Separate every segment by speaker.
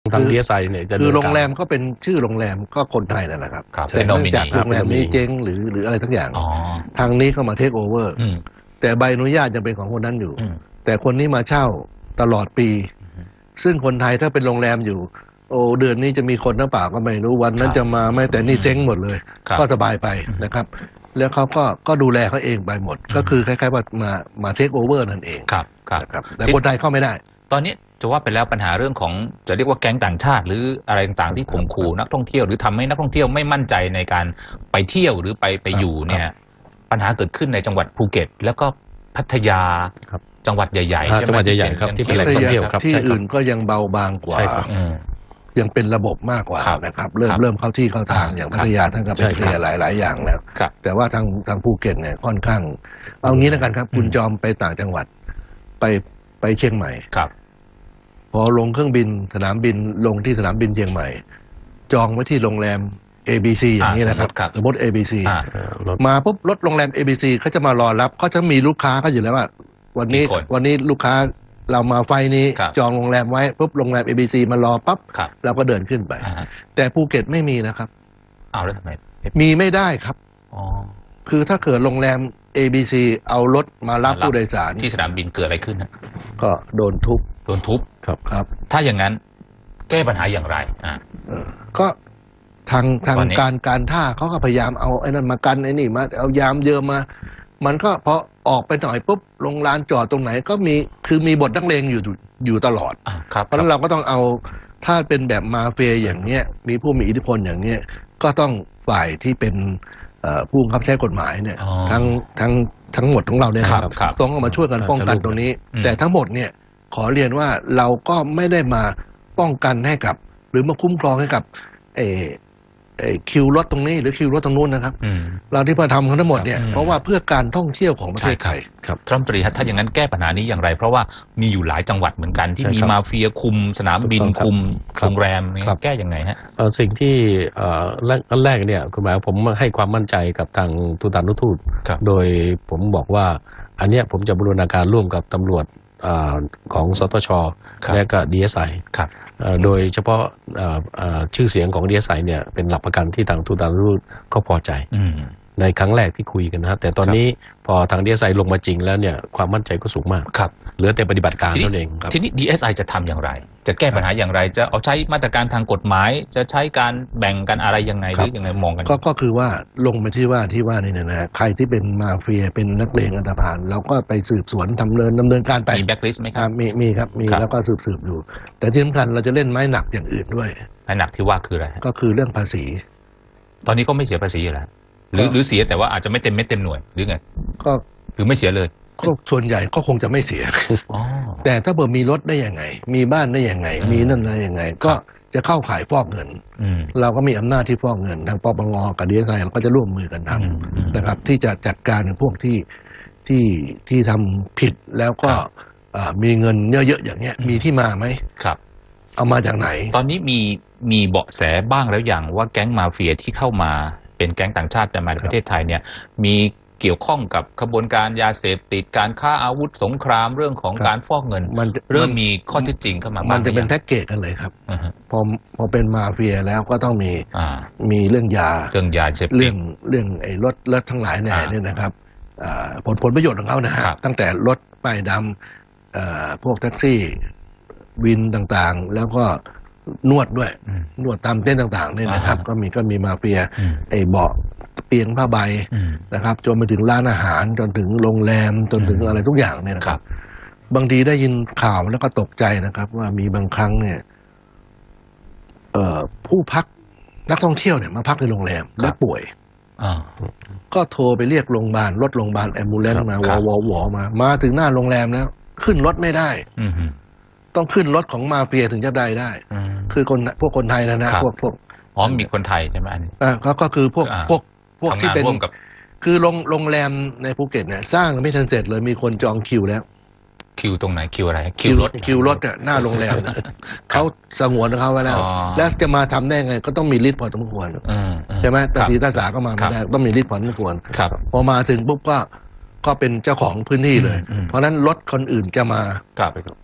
Speaker 1: ทางดีเอสไอเนี่ย
Speaker 2: คือโรงแรมก็เป็นชื่อโรงแรมก็คนไทยนั่นแหละครับแต่เนื่องจากโรงแรมนี้เจ๊งหรืออะไรทั้งอย่างทางนี้เข้ามาเทคโอเวอร์แต่ใบอนุญาตยังเป็นของคนนั้นอยู่แต่คนนี้มาเช่าตลอดปีซึ่งคนไทยถ้าเป็นโรงแรมอยู่โอ้เดือนนี้จะมีคนหรือเปล่าก็ไม่รู้วันนั้นจะมาไม่แต่นี่เจ๊งหมดเลยก็สบายไปนะครับแล้วเขาก็ดูแลเขาเองไปหมดก็คือคล้ายๆว่ามาเทคโอเวอร์นั่นเองครับแต่คนไทยเข้าไม่ได้
Speaker 3: ตอนนี้จะว่าไปแล้วปัญหาเรื่องของจะเรียกว่าแก๊งต่างชาติหรืออะไรต่างๆที่ข่มขู่นักท่องเที่ยวหรือทำให้นักท่องเที่ยวไม่มั่นใจในการไปเที่ยวหรือไปอยู่เนี่ยปัญหาเกิดขึ้นในจังหวัดภูเก็ตแล้วก็พัทยาจังหวัดใหญ่ๆ
Speaker 1: จังหวัดใหญ่ๆครับที่เป็นแหล่งท่องเที่ยวครับ
Speaker 2: ที่อื่นก็ยังเบาบางกว่ายังเป็นระบบมากกว่านะครับเริ่มเข้าที่เข้าทางอย่างพัทยาท่านก็ไปเคลียร์หลายอย่างแล้วแต่ว่าทางภูเก็ตเนี่ยค่อนข้างเอางี้แล้วกันครับคุณจอมไปต่างจังหวัดไปเชียงใหม่พอลงเครื่องบินสนามบินลงที่สนามบินเชียงใหม่จองไว้ที่โรงแรม ABC อย่างนี้นะครับสมมติ ABC มาปุ๊บรถโรงแรม ABC เขาจะมารอรับเขาจะมีลูกค้าเขาอยู่แล้วว่าวันนี้ลูกค้าเรามาไฟนี้จองโรงแรมไว้ปุ๊บโรงแรม ABC มารอปั๊บเราก็เดินขึ้นไปแต่ภูเก็ตไม่มีนะครับ
Speaker 3: เอาแล้วทำไม
Speaker 2: มีไม่ได้ครับคือถ้าเกิดโรงแรม ABC เอารถมารับผู้โดยสาร
Speaker 3: ที่สนามบินเกิดอะไรขึ้นนะ
Speaker 2: ก็โดนทุบ
Speaker 3: ครับถ้าอย่างนั้นแก้ปัญหาอย่างไร
Speaker 2: ก็ทางการท่าเขาก็พยายามเอาไอ้นั่นมากันไอ้นี่มาเอายามเยอะมามันก็พอออกไปหน่อยปุ๊บลงลานจอดตรงไหนก็มีบทนักเลงอยู่ตลอดเพราะฉะนั้นเราก็ต้องเอาถ้าเป็นแบบมาเฟียอย่างเนี้ยมีผู้มีอิทธิพลอย่างเนี้ยก็ต้องฝ่ายที่เป็นผู้บังคับใช้กฎหมายเนี่ยทั้งหมดของเราเนี่ยต้องมาช่วยกันป้องกันตรงนี้แต่ทั้งหมดเนี่ยขอเรียนว่าเราก็ไม่ได้มาป้องกันให้กับหรือมาคุ้มครองให้กับคิวรถตรงนี้หรือคิวรถตรงนู้นนะครับเราที่มาทำทั้งหมดเนี่ยเพราะว่าเพื่อการท่องเที่ยวของประเทศไทย
Speaker 3: ครับรัฐมนตรีถ้าอย่างนั้นแก้ปัญหานี้อย่างไรเพราะว่ามีอยู่หลายจังหวัดเหมือนกันที่มีมาเฟียคุมสนามบินคุมโรงแรมแก้ยังไงฮะ
Speaker 1: สิ่งที่แรกเนี่ยคุณหมายผมให้ความมั่นใจกับทางทูตานุทูตโดยผมบอกว่าอันเนี้ยผมจะบูรณาการร่วมกับตำรวจของสตช.และก็ DSI โดยเฉพาะชื่อเสียงของ DSI เนี่ยเป็นหลักประกันที่ทางทูตานุทูตก็พอใจในครั้งแรกที่คุยกันนะแต่ตอนนี้พอทาง DSI ลงมาจริงแล้วเนี่ยความมั่นใจก็สูงมากเหลือแต่ปฏิบัติการนั่นเอง
Speaker 3: ทีนี้ DSI จะทำอย่างไรจะแก้ปัญหาอย่างไรจะเอาใช้มาตรการทางกฎหมายจะใช้การแบ่งกันอะไรยังไงหรือยังไงมองกัน
Speaker 2: ก็คือว่าลงไปที่ว่านี่นะใครที่เป็นมาเฟียเป็นนักเลงอันธพาลเราก็ไปสืบสวนดำเนินการไป
Speaker 3: มีแบ็คลิสต์ไหมครับ
Speaker 2: มีครับมีแล้วก็สืบอยู่แต่ที่สำคัญเราจะเล่นไม้หนักอย่างอื่นด้วย
Speaker 3: ไม้หนักที่ว่าคืออะไร
Speaker 2: ก็คือเรื่องภาษี
Speaker 3: ตอนนี้ก็ไม่เสียภาษีอยู่แล้วหรือเสียแต่ว่าอาจจะไม่เต็มเม็ดเต็มหน่วยหรือไง
Speaker 2: ก็
Speaker 3: หรือไม่เสียเลย
Speaker 2: ก็ส่วนใหญ่ก็คงจะไม่เสียแต่ถ้าเกิดมีรถได้ยังไงมีบ้านได้ยังไงมีนั่นได้ยังไงก็จะเข้าข่ายฟอกเงินเราก็มีอำนาจที่ฟอกเงินทางปปงกับดีเอสไอเราก็จะร่วมมือกันทำนะครับที่จะจัดการพวกที่ทำผิดแล้วก็มีเงินเยอะๆอย่างเงี้ยมีที่มาไหม
Speaker 3: ครับ
Speaker 2: เอามาจากไหน
Speaker 3: ตอนนี้มีเบาะแสบ้างแล้วอย่างว่าแก๊งมาเฟียที่เข้ามาเป็นแก๊งต่างชาติแต่มาในประเทศไทยเนี่ยมีเกี่ยวข้องกับขบวนการยาเสพติดการค้าอาวุธสงครามเรื่องของการฟอกเงินเริ่มมีข้อเท็จจริงเข้ามา
Speaker 2: มันจะเป็นแพ็กเกจกันเลยครับพอเป็นมาเฟียแล้วก็ต้องมีเรื่องยา
Speaker 3: เ
Speaker 2: รื่องไอ้รถทั้งหลายเนี่ยนะครับผลประโยชน์ของเขานะฮะตั้งแต่รถป้ายดำพวกแท็กซี่วินต่างๆแล้วก็นวดด้วยนวดตามเต้นต่างๆเนี่ยนะครับก็มีมาเฟียไอ้เบาะเตียงผ้าใบนะครับจนไปถึงร้านอาหารจนถึงโรงแรมจนถึงอะไรทุกอย่างเนี่ยนะครับบางทีได้ยินข่าวแล้วก็ตกใจนะครับว่ามีบางครั้งเนี่ยผู้พักนักท่องเที่ยวเนี่ยมาพักในโรงแรมแล้วป่วยก็โทรไปเรียกโรงพยาบาลรถโรงพยาบาลแอมบูเลนซ์มาวอมาถึงหน้าโรงแรมแล้วขึ้นรถไม่ได้ต้องขึ้นรถของมาเฟียถึงจะได้คือพวกคนไทยนะพวก
Speaker 3: มีคนไทยใช่ไหมอันนี้
Speaker 2: ก็คือพวกที่เป็นคือโรงแรมในภูเก็ตเนี่ยสร้างไม่ทันเสร็จเลยมีคนจองคิวแล้ว
Speaker 3: คิวตรงไหนคิวอะไร
Speaker 2: คิวรถอ่ะหน้าโรงแรมเขาสงวนเขาไว้แล้วจะมาทำได้ไงก็ต้องมีฤทธิ์พอสมควรใช่ไหมตาตีตาสาก็มาไม่ได้ต้องมีฤทธิ์พอสมควรพอมาถึงปุ๊บก็เป็นเจ้าของพื้นที่เลยเพราะนั้นรถคนอื่นจะมา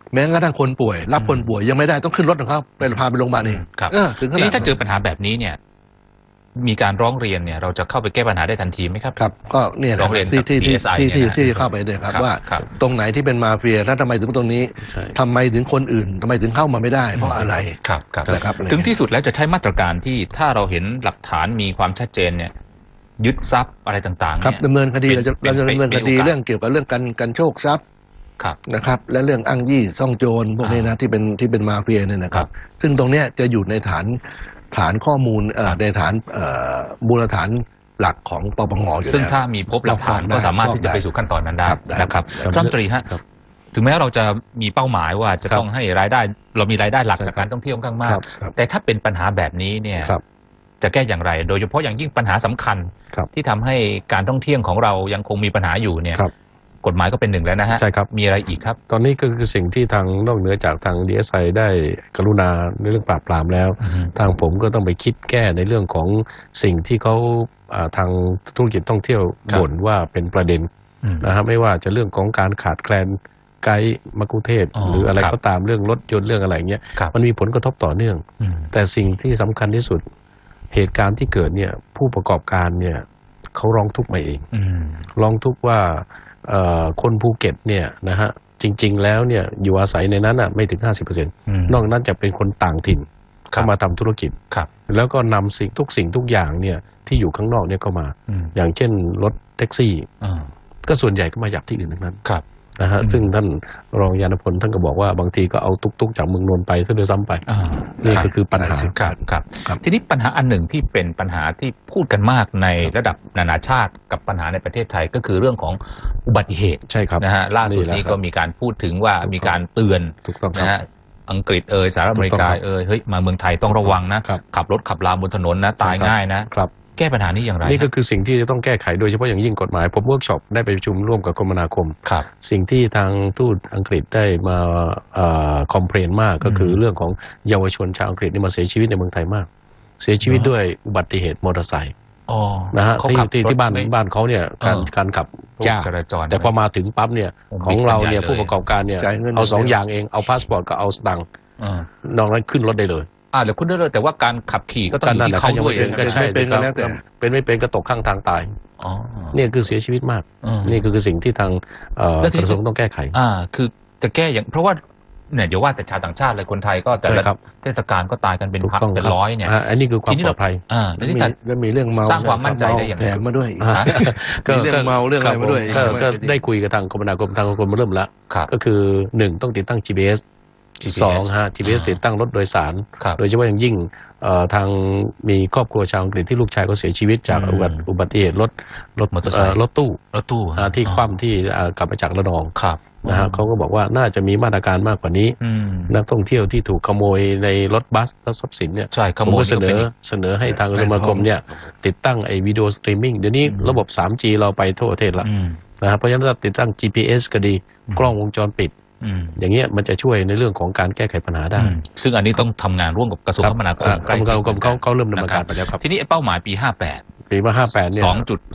Speaker 2: แม้กระทั่งคนป่วยรับคนป่วยยังไม่ได้ต้องขึ้นรถของเขาไปพาไปโรงพยาบาลเอง
Speaker 3: ครับ
Speaker 2: ถึงข
Speaker 3: ที
Speaker 2: นาด
Speaker 3: นี้ถ้าเจอปัญหาแบบนี้เนี่ยมีการร้องเรียนเนี่ยเราจะเข้าไปแก้ปัญหาได้ทันทีไหมครับ
Speaker 2: ครับก็เนี่ย
Speaker 3: ร้องเรียนกับ
Speaker 2: ที่
Speaker 3: DSI
Speaker 2: ที่เข้าไปเลยครับว่าตรงไหนที่เป็นมาเฟียแล้วทำไมถึงตรงนี้ทำไมถึงคนอื่นทำไมถึงเข้ามาไม่ได้เพราะอะไร
Speaker 3: ครับครับ
Speaker 2: นะครับ
Speaker 3: ถึงที่สุดแล้วจะใช้มาตรการที่ถ้าเราเห็นหลักฐานมีความชัดเจนเนี่ยยึดทรัพย์อะไรต่างๆ
Speaker 2: ครับ
Speaker 3: เนี่ย
Speaker 2: ดำเนินคดี
Speaker 3: เป็น
Speaker 2: เราจะดำเนินคดีเรื่องเกี่ยวกับเรื่องการโชคทรัพย์
Speaker 3: ครับ
Speaker 2: นะครับและเรื่องอ้างยี่ซ่องโจรพวกนี้นะที่เป็นมาเฟียเนี่ยนะครับซึ่งตรงเนี้ยจะอยู่ในฐานข้อมูลในฐานมูลฐานหลักของปปงอยู่แล้ว
Speaker 3: ซึ่งถ้ามีพบหลักฐานก็สามารถที่จะไปสู่ขั้นตอนนั้นได้
Speaker 2: ครับได้
Speaker 3: นะครับ
Speaker 2: ครับ
Speaker 3: รัฐมนตรีฮะถึงแม้เราจะมีเป้าหมายว่าจะ
Speaker 1: ครับ
Speaker 3: ต้องให้รายได้เรามีรายได้หลัก
Speaker 1: ใช่
Speaker 3: จาก
Speaker 1: ครับ
Speaker 3: การท่องเที่ยวค่อนข้างมาก
Speaker 2: ครับ
Speaker 3: แต่ถ้าเป็นปัญหาแบบนี้เนี่ย
Speaker 1: ครับ
Speaker 3: จะแก้อย่างไร โดยเฉพาะอย่างยิ่งปัญหาสำคัญ
Speaker 1: ครับ
Speaker 3: ที่ทำให้การท่องเที่ยวของเรายังคงมีปัญหาอยู่เนี่ย
Speaker 1: ครับ
Speaker 3: กฎหมายก็เป็นหนึ่งแล้วนะฮะ
Speaker 1: ใช่ครับ
Speaker 3: มีอะไรอีกครับ
Speaker 1: ตอนนี้ก็คือสิ่งที่ทางนอกเหนือจากทาง DSI ได้กรุณาในเรื่องปราบปรามแล้ว ทางผมก็ต้องไปคิดแก้ในเรื่องของสิ่งที่เขาทางธุรกิจท่องเที่ยว
Speaker 3: ครับ
Speaker 1: บ่นว่าเป็นประเด็นนะครับไม่ว่าจะเรื่องของการขาดแคลนไกด์มักคุเทศก์
Speaker 3: อ๋อ
Speaker 1: หรืออะไร
Speaker 3: ครับ
Speaker 1: ก็ตามเรื่องรถยนต์เรื่องอะไรเงี้ย
Speaker 3: ครับ
Speaker 1: มันมีผลกระทบต่อเนื่อง
Speaker 3: อืม
Speaker 1: แต่สิ่งที่สำคัญที่สุดเหตุการณ์ที่เกิดเนี่ยผู้ประกอบการเนี่ยเขาร้องทุกข์มาเอง
Speaker 3: อืม
Speaker 1: ร้องทุกข์ว่าคนภูเก็ตเนี่ยนะฮะจริงๆแล้วเนี่ยอยู่อาศัยในนั้นอ่ะไม่ถึง 50% นอกนั้นจะเป็นคนต่างถิ่นเข้ามาทำธุรกิจ
Speaker 3: ครับ
Speaker 1: แล้วก็นำสิ่งทุกอย่างเนี่ยที่อยู่ข้างนอกเนี่ยเข้ามา อย่างเช่นรถแท็กซี่ ก็ส่วนใหญ่ก็มาจากที่อื่นทั้งนั้น
Speaker 3: ครับ
Speaker 1: นะฮะ
Speaker 3: อืม
Speaker 1: ซึ่งท่านรองยานพลท่านก็บอกว่าบางทีก็เอาตุกๆจากเมืองนนท์ไปซะด้วยซ้ำไปนี่ก็คือปัญหา
Speaker 3: ครับครับ
Speaker 2: ครับ
Speaker 3: ทีนี้ปัญหาอันหนึ่งที่เป็นปัญหาที่พูดกันมากในระดับนานาชาติกับปัญหาในประเทศไทยก็คือเรื่องของอุบัติเหตุ
Speaker 1: ใช่ครับ
Speaker 3: นะฮะล่าสุด
Speaker 1: แหละ
Speaker 3: นี้
Speaker 1: ครับ
Speaker 3: ก็มีการพูดถึงว่า
Speaker 1: ถูกต้อง
Speaker 3: มีการเตือน
Speaker 1: ถูกต้องค
Speaker 3: นะ
Speaker 1: รับ
Speaker 3: ฮะอังกฤษสหรัฐอเมริกา
Speaker 1: ถูกต้องครับ
Speaker 3: เฮ้ยมาเมืองไทยต้องระวังนะครับ ขับรถขับลาบนถนนนะตายง่ายนะครับ แก้ปัญหานี้อย่างไร
Speaker 1: นี่ก็คือสิ่งที่จะต้องแก้ไขโดยเฉพาะอย่างยิ่งกฎหมายผมเวิร์กช็อปได้ไปประชุมร่วมกับคมนาคม
Speaker 3: ครับ
Speaker 1: สิ่งที่ทางทูตอังกฤษได้มาคอมเพลนมากก็คือเรื่องของเยาวชนชาวอังกฤษที่มาเสียชีวิตในเมืองไทยมาก เสียชีวิตด้วยอุบัติเหตุมอเตอร์ไซค์
Speaker 3: อ๋อ
Speaker 1: นะฮะ
Speaker 3: เขา
Speaker 1: ที่
Speaker 3: ขับ
Speaker 1: ที่
Speaker 3: รถ
Speaker 1: ที่บ้าน
Speaker 3: ไม่
Speaker 1: บ้านเขาเนี่ยการขับ
Speaker 3: พวก
Speaker 1: ยาก
Speaker 3: จราจร
Speaker 1: แต่พอมาถึงปั๊บเนี่ย
Speaker 3: โอ้
Speaker 1: ของเราเนี่ย
Speaker 3: มีปัญหาเลย
Speaker 1: ผู้ประกอบการเนี่ย
Speaker 2: จ่ายเงิน
Speaker 1: เอาสอง
Speaker 2: อย่างเดียว
Speaker 1: อย่างเองเอาพาสปอร์ตกับเอาสตังค์
Speaker 3: อ่าน
Speaker 1: อกนั้นขึ้นรถได้เลย
Speaker 3: เดี๋ยวคุณได้เลยแต่ว่าการขับขี่ก็ต้องอยู่ที่
Speaker 1: นั่นแหละ
Speaker 3: เขาด้วย
Speaker 1: ยังไม่เป็นก็ใช่
Speaker 2: เป็นก็แล้วแต่
Speaker 1: เป็นไม่เป็นก็ตกข้างทางตาย
Speaker 3: อ๋อ
Speaker 1: เนี่ยคือเสียชีวิตมาก
Speaker 3: อืม
Speaker 1: นี่คือสิ่งที่ทาง
Speaker 3: แล้วทีนี้
Speaker 1: กระทรวงต้องแก้ไข
Speaker 3: คือจะแก้อย่างเพราะว่าเนี่ยอย่าว่าแต่ชาวต่างชาติเลยคนไทยก็แต่
Speaker 1: ใช่
Speaker 3: ละ
Speaker 1: ครับ
Speaker 3: เทศกาลก็ตายกันเป็น
Speaker 1: ถูก
Speaker 3: พัน
Speaker 1: ต้อง
Speaker 3: เป็น
Speaker 1: ครับ
Speaker 3: ร้อยเนี่ย
Speaker 1: อันนี้คือความ
Speaker 3: ทีนี้
Speaker 1: ปล
Speaker 3: เรา
Speaker 1: อดภัย
Speaker 3: แล้วนี่แต่
Speaker 2: แล้วมีเรื่องเมา
Speaker 3: สร้างความมั่นใจได้อย่างไร
Speaker 2: แถมมาด้วย
Speaker 1: อ่า
Speaker 2: มีเรื่องเมาเรื่องอะไรมาด้วย
Speaker 1: ก็ได้คุยกับทางคมนาคมทางคมนาคมเริ่มแล้ว
Speaker 3: ครับ
Speaker 1: ก็คือ1ต้องติดตั้ง GPS 2ฮะ GPS ติดตั้งรถโดยสาร
Speaker 3: ครับ
Speaker 1: โดยเฉพาะอย่างยิ่งทางมีครอบครัวชาวอังกฤษที่ลูกชายก็เสียชีวิตจาก
Speaker 3: อืม
Speaker 1: อุบัติเหตุรถ
Speaker 3: มอเตอร์ไซค์
Speaker 1: รถตู้
Speaker 3: รถตู้
Speaker 1: ที่คว่ำที่กลับมาจากระนอง
Speaker 3: ครับ
Speaker 1: นะฮะเขาก็บอกว่าน่าจะมีมาตรการมากกว่านี้
Speaker 3: อืม
Speaker 1: นักท่องเที่ยวที่ถูกขโมยในรถบัสและทรัพย์สินเนี่ย
Speaker 3: ใช่ข
Speaker 1: ผม
Speaker 3: โมย
Speaker 1: ก็เสน
Speaker 3: นี่
Speaker 1: อ
Speaker 3: ก็
Speaker 1: เสนอให้ทางสมาคมเนี่ยติดตั้งไอ้วิดีโอสตรีมมิ่งเดี๋ยวนี้ระบบ 3G เราไปทั่วประเทศละ
Speaker 3: อืม
Speaker 1: นะครับเพราะฉะนั้นเราติดตั้ง GPS ก็ดี
Speaker 3: อืม
Speaker 1: กล้องวงจรปิด
Speaker 3: อืม
Speaker 1: อย่างเงี้ยมันจะช่วยในเรื่องของการแก้ไขปัญหาได้
Speaker 3: ซึ่งอันนี้ต้องทำงานร่วมกับกระทรวงคมนาคมใกล้ชิด
Speaker 1: เขาเริ่มดำเนินการไปแล้วครับ
Speaker 3: ทีนี้เป้าหมายปี 58
Speaker 1: ปีว่า58เนี่ย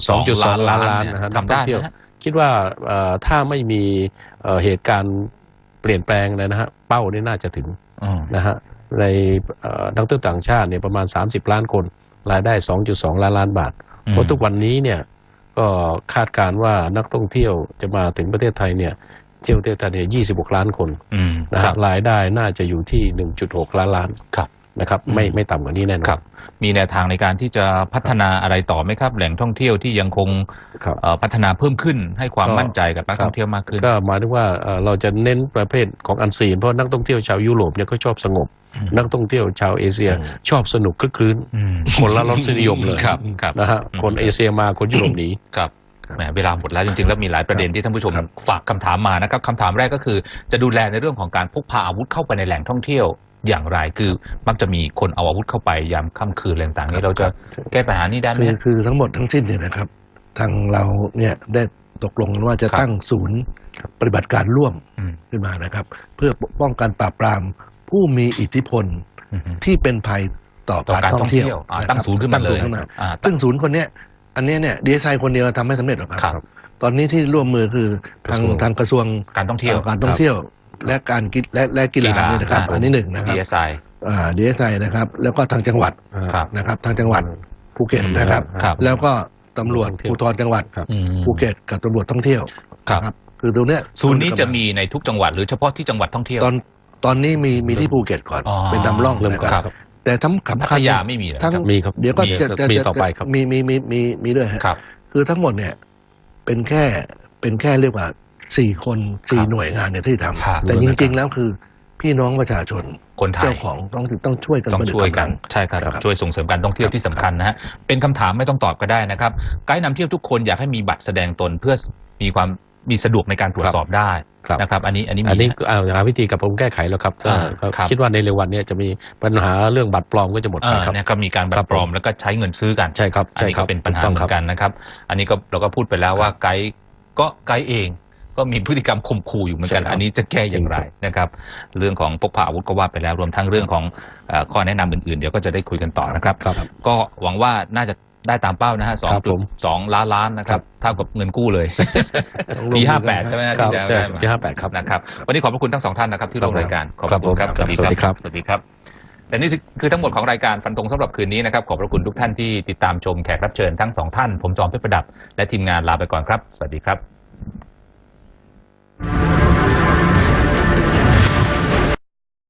Speaker 3: 2.2
Speaker 1: ล้าน
Speaker 3: ล้าน
Speaker 1: นะฮะ
Speaker 3: ทำได้
Speaker 1: นักท่องเที่ยว
Speaker 3: นะฮะ
Speaker 1: คิดว่าถ้าไม่มีเหตุการณ์เปลี่ยนแปลงเลยนะฮะเป้านี่น่าจะถึง นะฮะในนักท่องเที่ยวต่างชาติเนี่ยประมาณ30ล้านคนรายได้ 2.2 ล้านบาทเพราะทุกวันนี้เนี่ยก็คาดการณ์ว่านักท่องเที่ยวจะมาถึงประเทศไทยเนี่ยเที่ยวประเทศไทยเนี่ย26 ล้านคนนะ
Speaker 3: ครั
Speaker 1: ฮะ
Speaker 3: บ
Speaker 1: รายได้น่าจะอยู่ที่ 1.6 ล้าน
Speaker 3: ครับ
Speaker 1: นะครับไม่ต่ำกว่านี้แน่นอน
Speaker 3: ครับ มีแนวทางในการที่จะพัฒนาอะไรต่อไหมครับ แหล่งท่องเที่ยวที่ยังคง
Speaker 1: ครับ
Speaker 3: พัฒนาเพิ่มขึ้นให้ความ
Speaker 1: ก็
Speaker 3: มั่นใจกับนักท่องเที่ยวมากขึ้น
Speaker 1: ก็หมายถึงว่าเราจะเน้นประเภทของอันซีนเพราะนักท่องเที่ยวชาวยุโรปเนี่ยเขาชอบสงบ นักท่องเที่ยวชาวเอเชียชอบสนุกคลึกคลื้น คนละรสนิยมเลย
Speaker 3: ครับครับ
Speaker 1: นะฮะคนเอเชียมาคนยุโรปหนี
Speaker 3: ครับแหมเวลาหมดแล้วจริงๆแล้วมีหลายประเด็นที่ท่านผู้ชมฝากคำถามมานะครับคำถามแรกก็คือจะดูแลในเรื่องของการพกพาอาวุธเข้าไปในแหล่งท่องเที่ยวอย่างไรคือมักจะมีคนเอาอาวุธเข้าไปยามค่ำคืนอะไรต่างๆนี้เราจะแก้ปัญหานี้ได้ไหม
Speaker 2: คือทั้งหมดทั้งสิ้นเนี่ยนะครับทางเราเนี่ยได้ตกลงกันว่าจะ
Speaker 3: ครับ
Speaker 2: ตั้งศูนย์ปฏิบัติการร่วม
Speaker 3: อืม
Speaker 2: ขึ้นมานะครับ เพื่อป้องกันปราบปรามผู้มีอิทธิพล
Speaker 3: อืม
Speaker 2: ที่เป็นภัยต่อ
Speaker 3: ต่อ
Speaker 2: การ
Speaker 3: การ
Speaker 2: ท่
Speaker 3: ท่
Speaker 2: อ
Speaker 3: อง ง
Speaker 2: เที่
Speaker 3: เที่
Speaker 2: ย
Speaker 3: ยว ว
Speaker 2: นะครับ
Speaker 3: ตั้งศูนย์ขึ้นมาเลย
Speaker 2: ตั้งศูนย์ขึ้นมา
Speaker 3: อ่า
Speaker 2: ซึ่งศูนย์คนเนี้ยอันเนี้ยเนี่ยดีไซน์คนเดียวทำไม่สำเร็จหรอกค
Speaker 3: ครั
Speaker 2: รับ ตอนนี้ที่ร่วมมือคือทางกระทรวง
Speaker 3: การท่องเที่ยว
Speaker 2: การท่องเที่ยวและการและกีฬาเนี่ยนะครับอันนี้หนึ่งนะครับ
Speaker 3: DSI
Speaker 2: DSI นะครับแล้วก็ทางจังหวัด
Speaker 3: ครับ
Speaker 2: นะครับทางจังหวัดภูเก็ตนะครับ
Speaker 3: ครับ
Speaker 2: แล้วก็ตำรวจภูธรจังหวัด
Speaker 3: อืม
Speaker 2: ภูเก็ตกับตำรวจท่องเที่ยว
Speaker 3: ครับ
Speaker 2: นะคือตรงเนี้ย
Speaker 3: ศูนย์นี้จะมีในทุกจังหวัดหรือเฉพาะที่จังหวัดท่องเที่ยว
Speaker 2: ตอนนี้มีที่ภูเก็ตก่อน
Speaker 3: อ๋อ
Speaker 2: เป็นนำร่อง
Speaker 1: เริ่ม
Speaker 2: นะ
Speaker 1: ก่อน
Speaker 2: ครับ
Speaker 1: ครับ
Speaker 2: แต่ทั้ง
Speaker 3: พั
Speaker 2: สำ
Speaker 3: ท
Speaker 2: คัญ
Speaker 3: ยาไม่มีเหรอ
Speaker 2: ทั้ง
Speaker 3: ครับ
Speaker 1: มีครับ
Speaker 2: เดี๋ยวก็จะ
Speaker 1: มีต่อไปครับ
Speaker 2: มีด้วยฮะ
Speaker 3: ครับ
Speaker 2: คือทั้งหมดเนี่ยเป็นแค่เรียกว่า4 คน
Speaker 3: ครับ
Speaker 2: 4 หน่วยงานเนี่ยที่ท
Speaker 3: ครับ
Speaker 2: ำแต่จริงๆแล้วคือพี่น้องประชาชน
Speaker 3: คนไทย
Speaker 2: เจ้าของต้องช่วยกัน
Speaker 3: ต้อง
Speaker 2: ประดิษ
Speaker 3: ช่วย
Speaker 2: ฐ์
Speaker 3: กั
Speaker 2: กำ
Speaker 3: น
Speaker 2: ลัง
Speaker 3: ใช่ครับ
Speaker 2: ครับ
Speaker 3: ช่วยส่งเสริมการท่องเที่ยวที่สำคัญนะฮะเป็นคำถามไม่ต้องตอบก็ได้นะครับไกด์นำเที่ยวทุกคนอยากให้มีบัตรแสดงตนเพื่อมีสะดวกในการตรวจสอบได้
Speaker 1: ครับ
Speaker 3: นะครับ อันนี้มี
Speaker 1: อันนี้
Speaker 3: นะ
Speaker 1: หาวิธีกับผมแก้ไขแล้วครับก็
Speaker 3: ครับ
Speaker 1: คิดว่าในเร็ววันนี้จะมีปัญหาเรื่องบัตรปลอมก็จะหมดไปครับ
Speaker 3: เนี่ยก็มีการบัตรปลอมแล้วก็ใช้เงินซื้อกัน
Speaker 1: ใช่ครับ
Speaker 3: อันนี้ก็เป็นปัญหา
Speaker 1: ถูกต้อง
Speaker 3: เหมื
Speaker 1: ครั
Speaker 3: อบ นกันนะครับ อันนี้ก็เราก็พูดไปแล้วว่าไกด์เองก็มีพฤติกรรมข่มขู่อยู่เหมือนกัน
Speaker 1: ใช่ครับ
Speaker 3: อันนี้จะแก้อย่างไรนะครับ เรื่องของพกพาอาวุธก็ว่าไปแล้วรวมทั้งเรื่องของข้อแนะนำอื่นๆเดี๋ยวก็จะได้คุยกันต่อนะครับ
Speaker 1: ครับ
Speaker 3: ก็หวังว่าน่าจะได้ตามเป้านะฮะ
Speaker 1: ครับผม
Speaker 3: 2.2 ล้านนะครับเท่ากับเงินกู้เลย
Speaker 2: ต้องลง
Speaker 3: ปี
Speaker 2: มือกัน
Speaker 3: 58 ใช่ไหมฮะ
Speaker 1: ครับ
Speaker 3: ที่จะ
Speaker 1: ใช่
Speaker 3: ได้มา
Speaker 1: ปี58ครับ
Speaker 3: นะครับ วันนี้ขอบพระคุณทั้งสองท่านนะครับที่ร่วมรายการขอบพระคุณครับ
Speaker 1: ครับสวัสดีครับ
Speaker 3: สวัสดีครับแต่นี่คือทั้งหมดของรายการฟันธงสำหรับคืนนี้นะครับขอบพระคุณทุกท่านที่ติดตามชมแขกรับเชิญทั้งสองท่านผมจอมเพชรประดับและทีมงานลาไปก่อนครับสวัสดีครับ